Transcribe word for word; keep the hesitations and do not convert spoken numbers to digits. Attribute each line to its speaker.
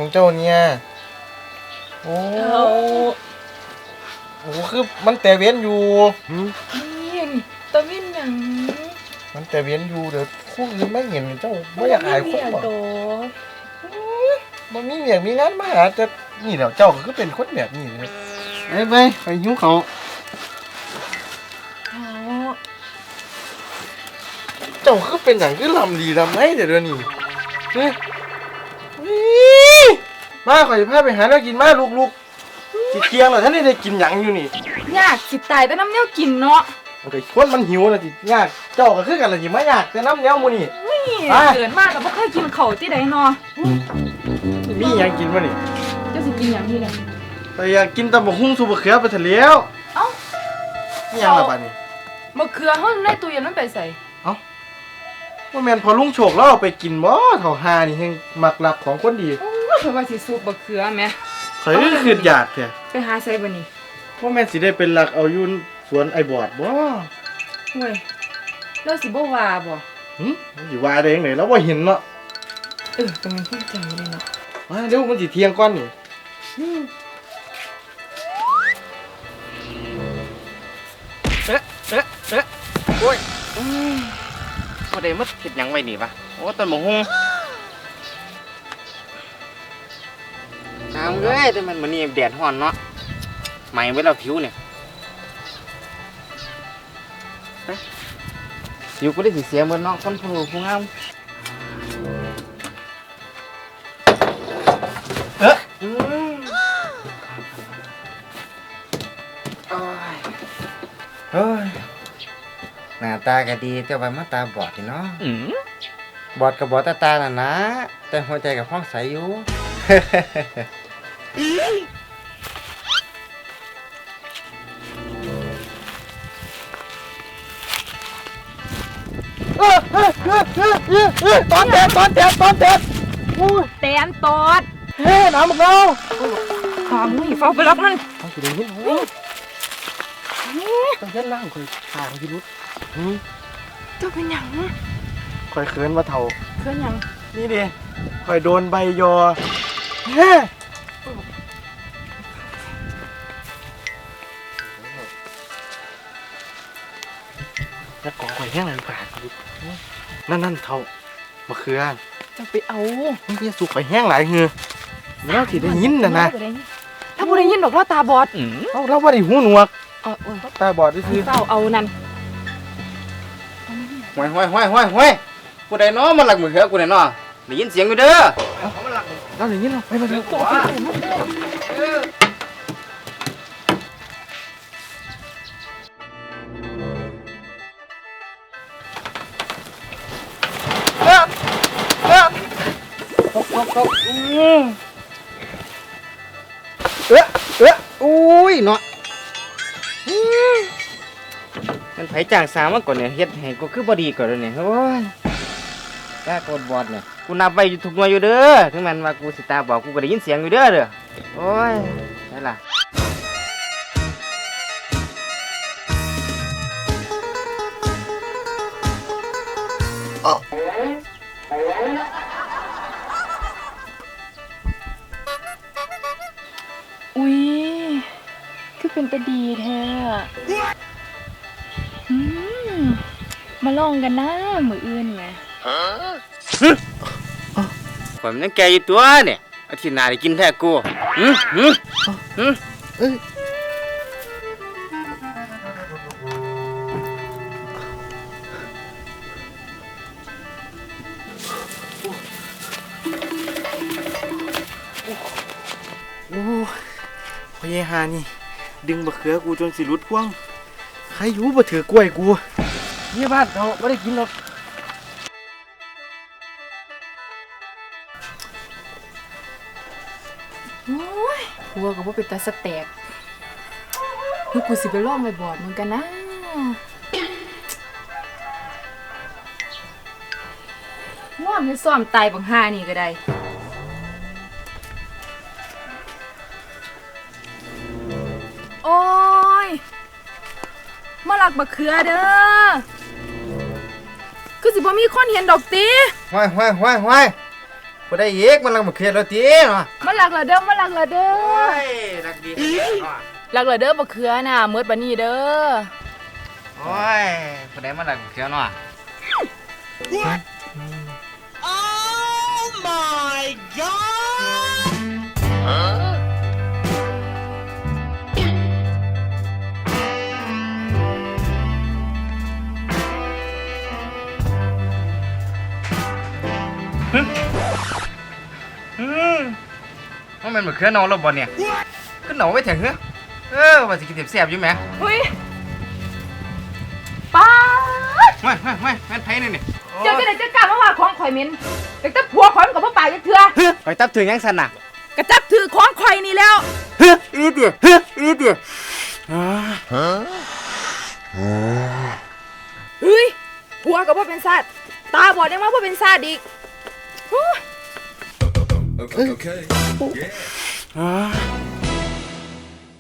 Speaker 1: เจ้าเนี่ยโอ้โอ้คือมันแต่เว้นอยู่
Speaker 2: นี่ตะวินอย่าง
Speaker 1: มันแต่เว้นอยู่เดี๋ยวคู่อื่นไม่เห็นเจ้าไม่อยากอายคนบ่มันมีเมียมีงานมาหาจะนี่แหละเจ้าก็เป็นคนแบบนี้เลยไปไปไปหิ้วเขาเจ้าคือเป็นอย่างคือลำดีลำไรเดี๋ยวนี้เฮ้ยมาขอจะพาไปหาแล้วกินมาลูกๆจิเกียงเหรอท่านนี่ได้กินหยังอยู่นี่
Speaker 2: ยากสิตายแต่น้ำเนี้ยกินเนาะ
Speaker 1: มันก็คนมันหิวนะจิยากเจ้าก็คือกันละจิไม่ยากแต่น้ำเนี้ยมูนี่
Speaker 2: เกิดมากกับพ่อเคยกินเขาที่ใดเนาะ
Speaker 1: มีหยังกินมานี่
Speaker 2: เจ้าสิกินอย่างนี้เนี่ย
Speaker 1: แต่อยากกินตำบักหุ่งสุบะเขือไปทะเลว
Speaker 2: เอ้า
Speaker 1: ไม่ยังละบ้านี่
Speaker 2: มะเขือเขาในตู้เย็นมันไปใส่
Speaker 1: เอ้าว่าแมนพอลุงโฉกแล้วเอาไปกินบ่เท่าหานี่แห่งมักหลักของคนดี
Speaker 2: เธอว่าสิสูบมะเขือไหม
Speaker 1: เคยคืออยากแท้
Speaker 2: ไปหาใส่บ่นี่
Speaker 1: ว่าแมนสิได้เป็นหลักเอายุ่นสวนไอ้บอดบ่
Speaker 2: เว้ยแล้วสิบ่ว่าบ่
Speaker 1: หึสิว่าได้ยังไงแล้วบ่เห็นเนาะ
Speaker 2: เออแต่มันพูดใจเลยเนาะ
Speaker 1: มาเดี๋ยวมันสิเที่ยงก่อนนี่
Speaker 3: เอ๊ะเอ๊ะเอ๊ะโอ้ยพอได้มัดเห็ดยังไว้นี่ปะโอ้ต้นหมูฮุงน้ำเอ้ยแต่มันมันนี่แดดร้อนเนาะไหม้ไว้แล้วผิวเนี่ยผิวก็ได้สีเสียเหมือนน้องคนผู้ผู้งาม
Speaker 1: เอ๊ะ
Speaker 3: เฮ้ยหน้าตาก็ดีแต่ว่ามาตาบอดเนาะบอดกับบอดตาตาน่ะนะแต่หัวใจกับห้องใสอยู่
Speaker 1: ตอนแดดตอนแดดตอนแดด
Speaker 2: แตนตอด
Speaker 1: เฮ้น้ำมึงเอา
Speaker 2: หอมนี่เฝ้าไปรับมัน
Speaker 1: เอาสิเดี๋ยวนี้ต้องเล่นล่างคอยหางพิรุษ
Speaker 2: เจ้าเป็นหยัง
Speaker 1: คอยเขินมาเท่า
Speaker 2: เขินหยัง
Speaker 1: นี่ดิคอยโดนใบยอเฮ้แล้วกองคอยแห้งอะไรผ่านนั่นนั่นเท่ามะเขือ
Speaker 2: จะไปเอา
Speaker 1: นี่พี่สุกคอยแห้งหลายเหือแล้วที่ได้ยินนะนะ
Speaker 2: ถ้าผู้ได้ยินบอกว่าตาบอด
Speaker 1: เราเราว่าได้หูหนวกตาบอดที่ซื้อ
Speaker 2: เต้าเอานั่น
Speaker 3: ห้วยห้วยห้วยห้วยห้วยกูได้น้อมันหลักมือเขือกูได้น้อได้ยินเสียงอยู่เด้อ
Speaker 1: เราได้ยินเราไปมาเถอะตกตกตกอืม
Speaker 3: เอ๊ะเอ๊ะอุ้ยเนาะมันไผจ้างสาวมาก่อนเนี่ยเฮ็ดให้กูคือบอดีก่อนเลยเนี่ยโอ้ยตาโกดบอดเนี่ยกูนับไว้อยู่ทุกหน่วยอยู่เด้อถึงแม้ว่ากูสิตาบอดกูก็ได้ยินเสียงอยู่เด้อเด้อโอ้ยได้ล่ะ
Speaker 2: อุ้ยคือเป็นตาดีแท้อืมมาลองกันนะมืออื่นไง
Speaker 3: ผมยังแกอยู่ตัวเนี่ยอาทิตย์หน้าได้กินแท้กูหืมหืมหืมเอ้ย
Speaker 1: โอ้พ่อเยฮานี่ดึงบะเขือกูจนสิรุดพ่วงใครอยู่บ่ถือกล้วยกูเนี่ยบ้านเขาไม่ได้กินหรอก
Speaker 2: โอ้ยหัวกับว่าเป็นตาสแต็กลูกกูสิไปล่อมไปบอดเหมือนกันนะว่าไม่ซ้อมตายบังห้านี่ก็ได้โอ้ยมาหลักบักเขือเด้อคือสิบ่มีคนเห็นดอกตี
Speaker 3: ห้อยห้อยห้อยห้อยบ่ได้อีกมันลังบ่เครียดแล้วติเนาะ
Speaker 2: มาหลักละเด้อมาหลักละเด้อ
Speaker 3: โอ้ยรักดีเนาะ
Speaker 2: หลักละเด้อบ่เคือน่ะเมิดบัดนี้เด้อ
Speaker 3: โอ้ยผู้ใดมาลักเขียวเนาะ อืมมันเป็นเหมือนเครื่องนอนรถบอลเนี่ยขึ้นหนอไว้ถึงเหรอเออว่าสิกินเสียบๆอยู่ไหม
Speaker 2: เฮ้ยป้าด
Speaker 3: ไม่ไม่ไม่แม่นไผ่นี่นี่
Speaker 2: เจ้าจะได้จัดการมาว่าของข่อยเหม็นแต่ถ้าผัวข่อยมันก็บ่ปากจักเทื่อ
Speaker 3: ไปตับถึงยังสันน่ะ
Speaker 2: กระจับถือของข่อยนี่แล้ว
Speaker 3: เฮ้ยอีเดียเฮ้ยอีเดีย
Speaker 2: เฮ้ยผัวก็บ่เป็นซาดตาบอดยังมาบ่เป็นซาดอีก
Speaker 4: Okay. okay. Yeah.